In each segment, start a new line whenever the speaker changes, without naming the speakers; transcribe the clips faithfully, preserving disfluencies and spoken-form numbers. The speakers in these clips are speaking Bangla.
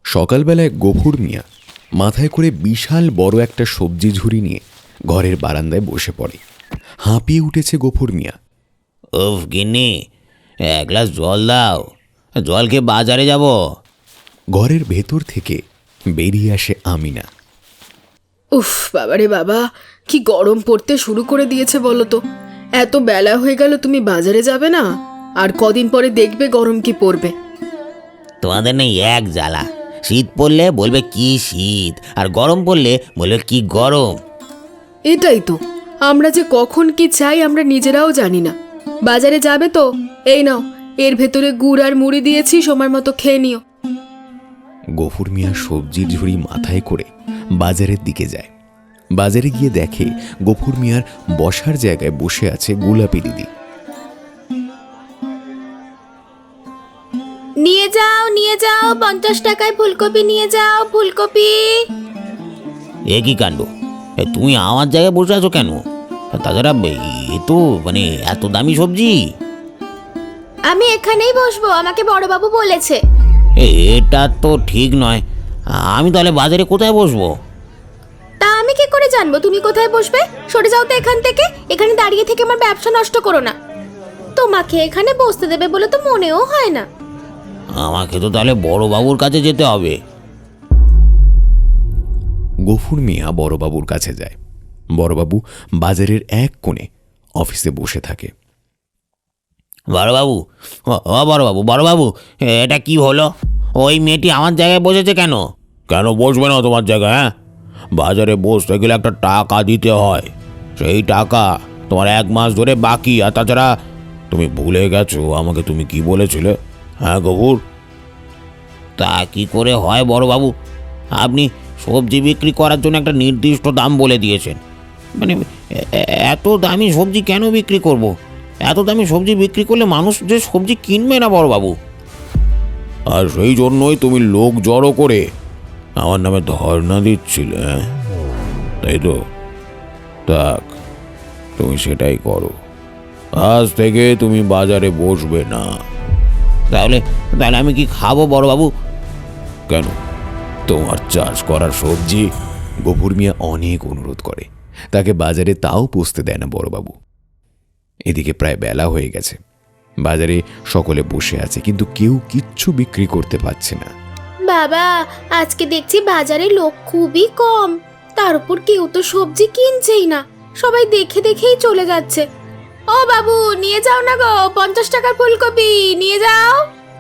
সকালবেলায় গফুর মিয়া মাথায় করে বিশাল বড় একটা সবজি ঝুড়ি নিয়ে ঘরের বারান্দায় বসে পড়ে। হাঁপিয়ে উঠেছে গফুর মিয়া।
উফ গিন্নি, এক গ্লাস জল দাও, জল খেয়ে বাজারে যাব।
ঘরের ভেতর থেকে বেরিয়ে আসে আমিনা।
উফ বাবারে বাবা, কি গরম পড়তে শুরু করে দিয়েছে বলো তো। এত বেলা হয়ে গেল, তুমি বাজারে যাবে না? আর কদিন পরে দেখবে গরম কি পড়বে।
তোমাদের নেই এক জ্বালা, শীত পড়লে বলবে কি শীত, আর গরম পড়লে বলবে কি গরম।
এটাই তো, আমরা যে কখন কি চাই আমরা নিজেরাও জানি না। বাজারে যাবে তো? এই নাও, এর ভেতরে গুড় আর মুড়ি দিয়েছি, সময় মতো খেয়ে নিও।
গফুর মিয়া সবজির ঝুড়ি মাথায় করে বাজারের দিকে যায়। বাজারে গিয়ে দেখে গফুর মিয়ার বসার জায়গায় বসে আছে গোলাপি দিদি।
নিয়ে যাও নিয়ে যাও, পঞ্চাশ টাকায় ফুলকপি নিয়ে যাও, ফুলকপি।
এ কি কাণ্ড, এ তুমি আমার জায়গায় বসে আছো কেন? তাছাড়া এ তো মানে এত দামি সবজি।
আমি এখানেই বসবো, আমাকে বড়বাবু বলেছে।
এটা তো ঠিক নয়, আমি তাহলে বাজারে কোথায় বসবো?
তা আমি কি করে জানবো তুমি কোথায় বসবে? সরে যাও তো এখান থেকে, এখানে দাঁড়িয়ে থেকে আমার ব্যবসা নষ্ট করো না। তোমাকে এখানে বসতে দেবে বলে তো মনেও হয় না।
আমাকে তো তাহলে বড়বাবুর কাছে যেতে হবে।
গফুর মিয়া বড়বাবুর কাছে যায়। বড়বাবু বাজারের এক কোণে অফিসে বসে থাকে।
বড়বাবু, ও বড়বাবু, বড়বাবু, এটা কি হলো? ওই মেয়েটি আমার জায়গায় বসেছে কেন? কেন বসবে না তোমার জায়গায়? হ্যাঁ, বাজারে বসতে গেলে একটা টাকা দিতে হয়, সেই টাকা তোমার এক মাস ধরে বাকি। আর তাছাড়া তুমি ভুলে গেছো আমাকে তুমি কি বলেছিলে? হ্যাঁ গফুর, তা কি করে হয় বড়বাবু? আপনি সবজি বিক্রি করার জন্য একটা নির্দিষ্ট দাম বলে দিয়েছেন, মানে এত দামি সবজি কেন বিক্রি করব? এত দামি সবজি বিক্রি করলে মানুষ যে সবজি কিনবে না বড়বাবু। আর সেই জন্যই তুমি লোক জড়ো করে আমার নামে ধর্ণা দিচ্ছিলে, তাই তো? থাক, তুমি সেটাই করো। আজ থেকে তুমি বাজারে বসবে না। তাহলে তাহলে আমি কি খাবো বড়বাবু? কেন, তোমার চাষ করার সবজি?
গফুর মিয়া অনেক অনুরোধ করে, তাকে বাজারে তাও পৌঁছতে দেয় না বড়বাবু। এদিকে প্রায় বেলা হয়ে গেছে। বাজারে সকলে বসে আছে, কিন্তু কেউ কিচ্ছু বিক্রি করতে পারছে না।
বাবা, আজকে দেখছি বাজারে লোক খুবই কম, তার উপর কেউ তো সবজি কিনছেই না, সবাই দেখে দেখেই চলে যাচ্ছে। ও বাবু, নিয়ে যাও না গো, পঞ্চাশ টাকার ফুলকপি নিয়ে যাও।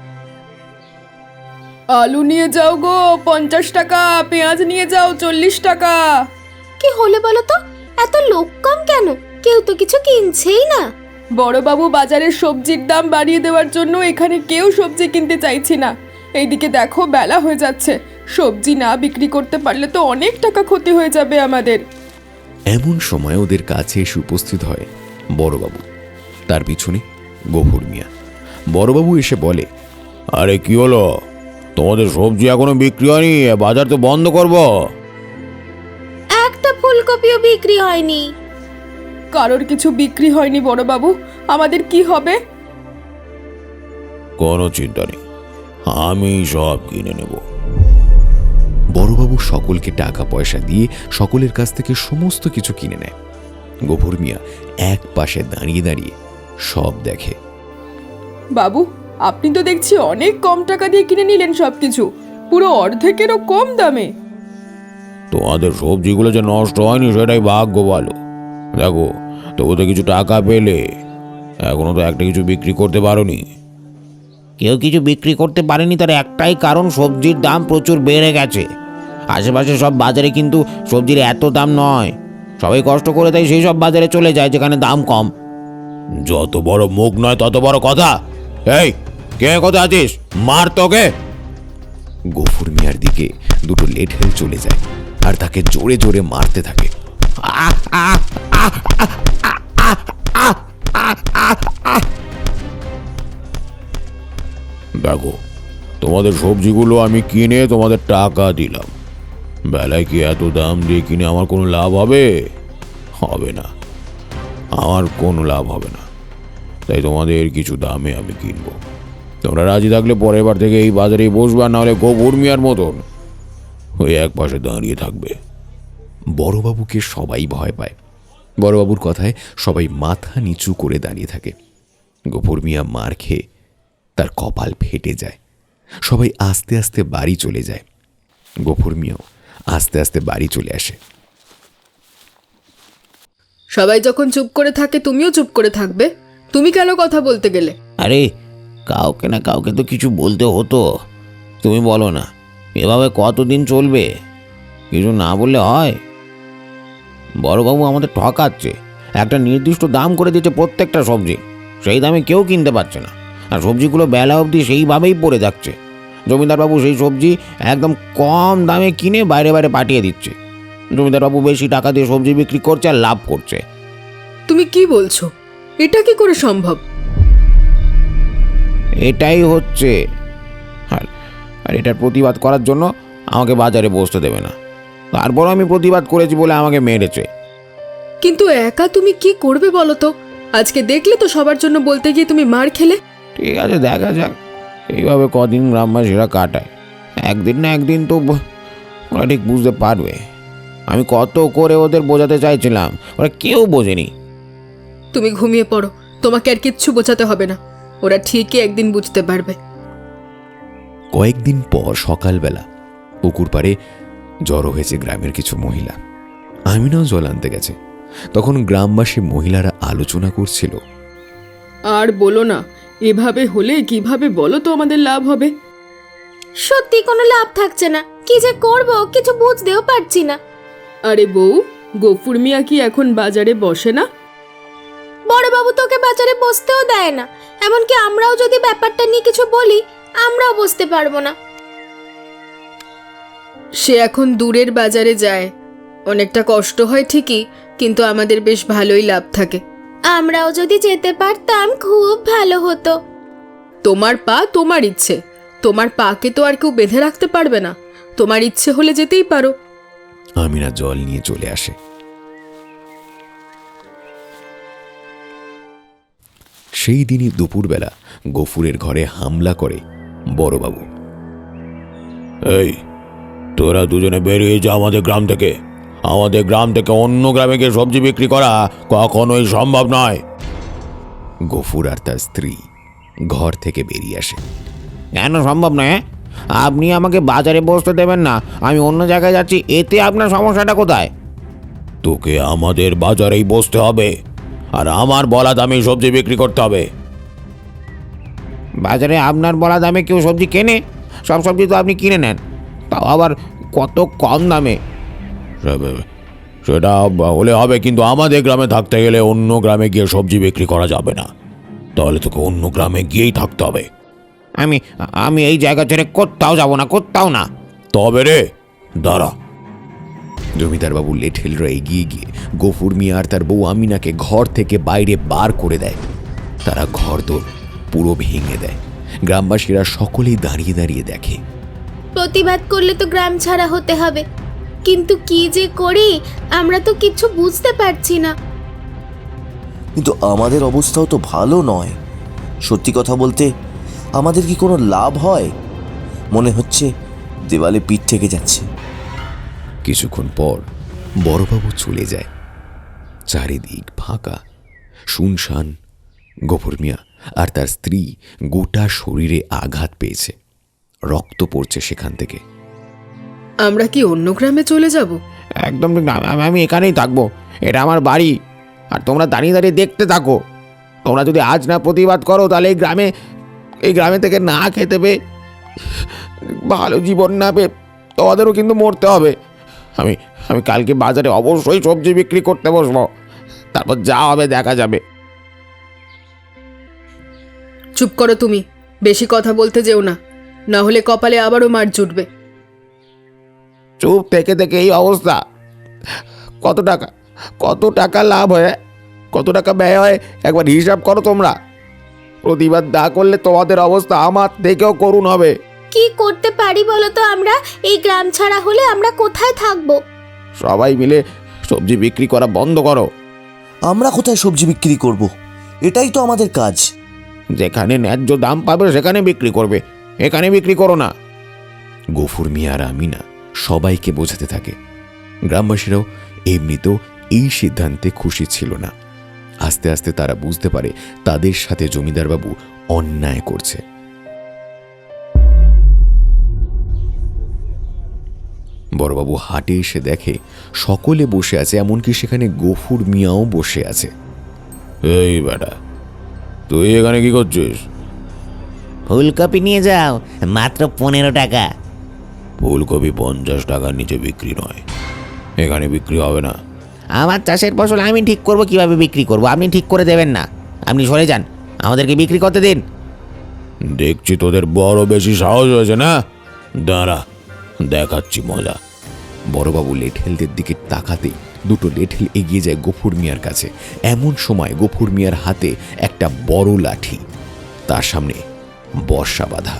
আলু নিয়ে যাও গো, পঞ্চাশ টাকা। পেঁয়াজ নিয়ে যাও, চল্লিশ টাকা।
কি হলো বলো তো, এত লোক কম কেন? কেউ তো কিছু কিনছেই না।
বড়বাবু বাজারের সবজির দাম বাড়িয়ে দেওয়ার জন্য এখানে কেউ সবজি কিনতে চাইছে না। এইদিকে দেখো বেলা হয়ে যাচ্ছে, সবজি না বিক্রি করতে পারলে তো অনেক টাকা ক্ষতি হয়ে যাবে আমাদের।
এমন সময় ওদের কাছে এসে উপস্থিত হয় বড়বাবু, তার পিছনে গফুর মিয়া। বড়বাবু এসে বলে,
আরে কি হলো, তোমাদের সবজি এখনো বিক্রি হয়নি? বাজার তো বন্ধ করব।
একটা ফুলকপিও বিক্রি হয়নি।
কারোর কিছু বিক্রি হয়নি বড়বাবু, আমাদের কি হবে?
কোনো চিন্তা নেই, আমি সব কিনে নেব।
বড়বাবু সকলকে টাকা পয়সা দিয়ে সকলের কাছ থেকে সমস্ত কিছু কিনে নেয়। গফুর মিয়া এক পাশে দাঁড়িয়ে দাঁড়িয়ে সব দেখে।
বাবু, আপনি তো দেখছি অনেক কম টাকা দিয়ে কিনে নিলেন সবকিছু, পুরো অর্ধেকেরও কম দামে।
তোমাদের সবজিগুলো যে নষ্ট হয়নি সেটাই ভাগ্য ভালো। দেখো, তবু তো কিছু টাকা পেলে, এখনো তো একটা কিছু বিক্রি করতে পারোনি। কেউ কিছু বিক্রি করতে পারেনি তার একটাই কারণ, সবজির দাম প্রচুর বেড়ে গেছে। আশেপাশে সব বাজারে কিন্তু সবজির এত দাম নয়, সবাই কষ্ট করে তাই সেই সব বাজারে চলে যায় যেখানে দাম কম। যত বড় মুখ নয় তত বড় কথা। এই, কে কোথায় আছিস? মার তোকে।
গফুর মিয়ার দিকে দুটো লেঠেল চলে যায় আর তাকে জোরে জোরে মারতে থাকে।
দেখো, তোমাদের সবজিগুলো আমি কিনে তোমাদের টাকা দিলাম, বেলায় কি এত দাম দিয়ে কিনে আমার কোনো লাভ হবে? হবে না, আমার কোনো লাভ হবে না। তাই তোমাদের কিছু দামে আমি কিনবো, তোমরা রাজি থাকলে পরের বার থেকে এই বাজারে বসবে, না হলে গোবর মিয়ার মতন ওই এক পাশে দাঁড়িয়ে থাকবে।
বড়বাবুকে সবাই ভয় পায়। বড়বাবুর কথায় সবাই মাথা নিচু করে দাঁড়িয়ে থাকে। গফুর মিয়া মার খেয়ে তার কপাল ফেটে যায়। সবাই আস্তে আস্তে বাড়ি চলে যায়। গফুর মিয়াও আস্তে আস্তে বাড়ি চলে আসে।
সবাই যখন চুপ করে থাকে তুমিও চুপ করে থাকবে? তুমি কেন কথা বলতে গেলে?
আরে কাউকে না কাউকে তো কিছু বলতে হতো। তুমি বলো না, এভাবে কতদিন চলবে? কিছু না বললে হয়? বড়বাবু আমাদের ঠকাচ্ছে। একটা নির্দিষ্ট দাম করে দিচ্ছে প্রত্যেকটা সবজি, সেই দামে কেউ কিনতে পারছে না। আর সবজিগুলো বেলা অবধি সেইভাবেই পড়ে যাচ্ছে। জমিদারবাবু সেই সবজি একদম কম দামে কিনে বাইরে বাইরে পাঠিয়ে দিচ্ছে। জমিদারবাবু বেশি টাকা দিয়ে সবজি বিক্রি করছে আর লাভ করছে।
তুমি কি বলছো? এটা কি করে সম্ভব?
এটাই হচ্ছে। আর আর এটার প্রতিবাদ করার জন্য আমাকে বাজারে বসতে দেবে না। তারপর আমি প্রতিবাদ করেছি বলে আমাকে মেরেছে।
কিন্তু একা তুমি কি করবে বলো তো? আজকে দেখলে তো সবার জন্য বলতে গিয়ে তুমি মার খেলে।
ঠিক আছে, দেখা যাক এইভাবে কদিন গ্রামবাসীরা কাটায়। একদিন না একদিন তো ব- ওরা ঠিক বুঝতে পারবে। আমি কত করে ওদের বোঝাতে চাইছিলাম, ওরা কেউ বোঝেনি।
তুমি ঘুমিয়ে পড়ো, তোমাকে আর কিচ্ছু বোঝাতে হবে না। ওরা ঠিকই একদিন বুঝতে পারবে।
কয়েকদিন পর সকালবেলা পুকুর পাড়ে জড়ো হয়েছে গ্রামের কিছু মহিলা। আমিনাও জল আনতে গেছে। তখন গ্রামবাসী মহিলারা আলোচনা করছিল।
আর বলো না, এভাবে হলে কিভাবে বলো তো আমাদের লাভ হবে?
সত্যি কোনো লাভ থাকছে না। কি যে করব কিছু বুঝতেও পারছি না।
আরে বউ, গফুর মিয়া কি এখন বাজারে বসে না?
বড়বাবু তোকে বাজারে বসতেও দেয় না। এমনকি আমরাও যদি ব্যাপারটা নিয়ে কিছু বলি, আমরাও বসতে পারবো না।
সে এখন দূরের বাজারে যায়। অনেকটা কষ্ট হয় ঠিকই, কিন্তু আমাদের বেশ ভালোই লাভ থাকে।
আমরাও যদি যেতে পারতাম খুব ভালো হতো।
তোমার পা তোমার ইচ্ছে, তোমার পাকে তো আর কেউ বেঁধে রাখতে পারবে না। তোমার ইচ্ছে হলে যেতেই পারো।
আমিনা জল নিয়ে চলে আসে। সেই দিনই দুপুরবেলা গফুরের ঘরে হামলা করে বড়বাবু।
এই তোরা দুজনে বেরিয়ে যা আমাদের গ্রাম থেকে। আমাদের গ্রাম থেকে অন্য গ্রামে গিয়ে সবজি বিক্রি করা কখনোই সম্ভব নয়।
গফুর আর তার স্ত্রী ঘর থেকে বেরিয়ে আসে।
কেন সম্ভব নয়? হ্যাঁ? আপনি আমাকে বাজারে বসতে দেবেন না, আমি অন্য জায়গায় যাচ্ছি, এতে আপনার সমস্যাটা কোথায়? তোকে আমাদের বাজারেই বসতে হবে, আর আমার বলা দামে সবজি বিক্রি করতে হবে। বাজারে আপনার বলা দামে কেউ সবজি কেনে? সব সবজি তো আপনি কিনে নেন, তাও আবার কত কম দামে। সেটা হলে হবে, কিন্তু আমাদের গ্রামে থাকতে গেলে অন্য গ্রামে গিয়ে সবজি বিক্রি করা যাবে না। তাহলে তোকে অন্য গ্রামে গিয়েই থাকতে হবে। আমি আমি এই জায়গা ছেড়ে কোথাও যাব না, কোথাও না। তবে রে দাঁড়া।
জমিদারবাবু লেঠেলরা এগিয়ে গিয়ে গফুর মিয়া আর তার বউ আমিনাকে ঘর থেকে বাইরে বার করে দেয়। তারা ঘরদোর পুরো ভেঙে দেয়। গ্রামবাসীরা সকলেই দাঁড়িয়ে দাঁড়িয়ে দেখে।
প্রতিবাদ করলে তো গ্রাম ছাড়া হতে হবে, কিন্তু কি যে করি আমরা তো কিছু বুঝতে পারছি না।
কিন্তু আমাদের অবস্থাও তো ভালো নয়। সত্যি কথা বলতে আমাদের কি কোনো লাভ হয়? মনে হচ্ছে দেওয়ালে পিঠ থেকে যাচ্ছে।
কিছুক্ষণ পর বড়বাবু চলে যায়। চারিদিক ফাঁকা, শুনশান। গফুর মিয়া আর তার স্ত্রী গোটা শরীরে আঘাত পেয়েছে, রক্ত পড়ছে সেখান থেকে।
আমরা কি অন্য গ্রামে চলে যাব?
একদম ঠিক না, আমি- আমি এখানেই থাকবো। এটা আমার বাড়ি, আর তোমরা দাঁড়িয়ে দাঁড়িয়ে দেখতে থাকো। তোমরা যদি আজ না প্রতিবাদ করো, তাহলে এই গ্রামে এই গ্রামে থেকে না খেতে পেয়ে, ভালো জীবন না পেয়ে তোমাদেরও কিন্তু মরতে হবে। আমি আমি কালকে বাজারে অবশ্যই সবজি বিক্রি করতে বসবো, তারপর যা হবে দেখা যাবে।
চুপ করো তুমি, বেশি কথা বলতে যেও না, না হলে কপালে আবারও মার জুটবে।
চুপ থেকে থেকে এই অবস্থা। কত টাকা কত টাকা লাভ হয়, কত টাকা ব্যয় হয়, একবার হিসাব করো তোমরা। প্রতিবাদ না করলে তোমাদের অবস্থা আমার থেকেও করুণ হবে।
কি করতে পারি বলো তো? আমরা এই গ্রাম ছাড়া হলে আমরা কোথায় থাকবো?
সবাই মিলে সবজি বিক্রি করা বন্ধ করো।
আমরা কোথায় সবজি বিক্রি করব? এটাই তো আমাদের কাজ।
যেখানে ন্যায্য দাম পাবে সেখানে বিক্রি করবে, এখানে বিক্রি করো না।
গফুর মিয়া আর আমিনা সবাইকে বোঝাতে থাকে। গ্রামবাসীরাও এমনিতেও এই সিদ্ধান্তে খুশি ছিল না। আস্তে আস্তে তারা বুঝতে পারে তাদের সাথে জমিদারবাবু অন্যায় করছে। বড়বাবু হাটে এসে দেখে সকলে বসে আছে, এমনকি সেখানে গফুর মিয়াও বসে আছে।
এই বেটা, তুই এখানে কি করছিস?
ফুলকপি নিয়ে যাও, মাত্র পনেরো টাকা।
ফুলকপি পঞ্চাশ টাকার নিচে বিক্রি নয়, এখানে বিক্রি হবে না।
আমার চাষের ফসল আমি ঠিক করব, কিভাবে বিক্রি করব আপনি ঠিক করে দেবেন না। আপনি সরে যান, আমাদেরকে বিক্রি করতে দিন।
দেখছি তোদের বড় বেশি সাহস হয়েছে না, দাঁড়া দেখাচ্ছি মজা।
বড়বাবু লেঠেলদের দিকে তাকাতেই দুটো লেঠেল এগিয়ে যায় গফুর মিয়ার কাছে। এমন সময় গফুর মিয়ার হাতে একটা বড় লাঠি, তার সামনে বর্ষা বাঁধা।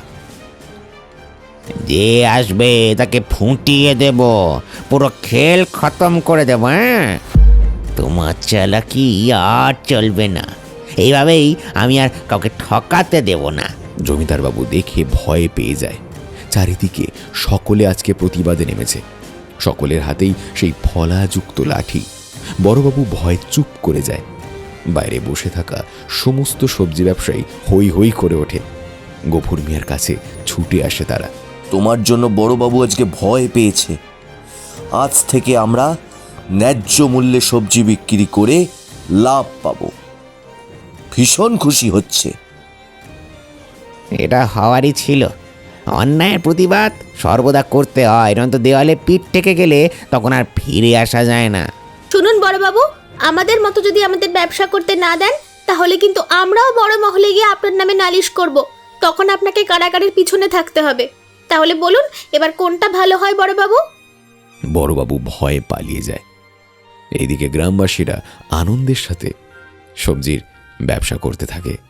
যে আসবে তাকে ফুটিয়ে দেব, পুরো খেল খতম করে দেব। হ্যাঁ, তোমার চালাকি আর চলবে না। এইভাবেই আমি আর কাউকে ঠকাতে দেব না।
জমিদারবাবু দেখে ভয় পেয়ে যায়। চারিদিকে সকলে আজকে প্রতিবাদে নেমেছে, সকলের হাতেই সেই ফলাযুক্ত লাঠি। বড়বাবু ভয় চুপ করে যায়। বাইরে বসে থাকা সমস্ত সবজি ব্যবসায়ী হই হই করে ওঠে। গফুর মিয়ার কাছে ছুটে আসে তারা।
তোমার জন্য বড়বাবু আজকে ভয় পেয়েছে। আজ থেকে আমরা ন্যায্য মূল্যে সবজি বিক্রি করে লাভ পাবো। ভীষণ খুশি হচ্ছে।
এটা হওয়ারই ছিল। অন্যায়ের প্রতিবাদ সর্বদা করতে হয়, নয়তো দেওয়ালে পিঠ ঠেকে গেলে তখন আর ফিরে আসা যায় না।
শুনুন বড়বাবু, আমাদের মতো যদি আমাদের ব্যবসা করতে না দেন, তাহলে কিন্তু আমরাও বড় মহলে গিয়ে আপনার নামে নালিশ করব। তখন আপনাকে কারাগারের পিছনে থাকতে হবে। তাহলে বলুন, এবার কোনটা ভালো হয় বড়বাবু?
বড়বাবু ভয়ে পালিয়ে যায়। এইদিকে গ্রামবাসীরা আনন্দের সাথে সবজির ব্যবসা করতে থাকে।